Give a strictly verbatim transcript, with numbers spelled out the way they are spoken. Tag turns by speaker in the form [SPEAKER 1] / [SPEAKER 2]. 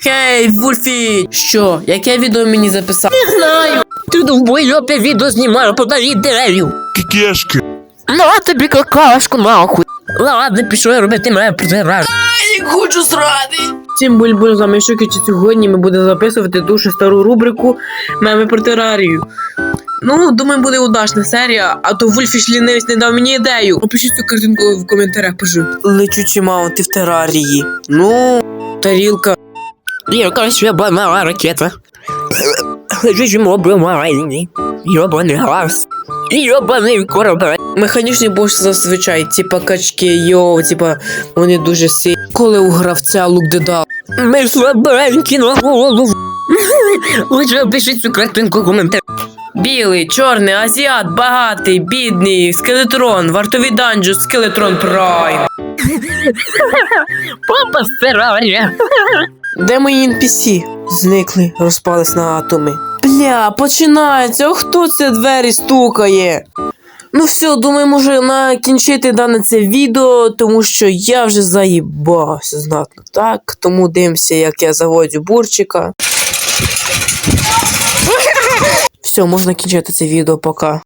[SPEAKER 1] Хей, Вульфі! Що? Яке відео мені записав? Не знаю! Ти довбойопе відео знімаю по новій дерев'ю!
[SPEAKER 2] Кікешки.
[SPEAKER 1] На тобі какашку нахуй! Ладно, пішов я робити мене протираж. Ай, хочу срати! Всім буль-буль, з вами Шуки, чи сьогодні ми будемо записувати дуже стару рубрику «Меми про терарію». Ну, думаю, буде удачна серія, а то Вульфіш лінивець не дав мені ідею. Напишіть цю картинку в коментарях, пишу. Лечучі маунти в терарії. Ну, тарілка. Якась ябана ракета. Лечучі моби марайні. Йобаний газ. Йобаний корабель. Механічний бос зазвичай, типа качки, йо, типа, вони дуже сильні. Коли у гравця лук дедал. Ми слабенькі на голову. Лучше пишіть цю картинку в коментарях. Білий, чорний, азіат, багатий, бідний, скелетрон, вартовий данжу, скелетрон прайм. Папа стирає. Де мої ен пі сі? Зникли, розпались на атоми. Бля, починається, о, хто це двері стукає? Ну все, думаю, може накінчити дане це відео, тому що я вже заїбався знатно, так? Тому дивимося, як я заводжу бурчика. Все, можна кінчити це відео, пока.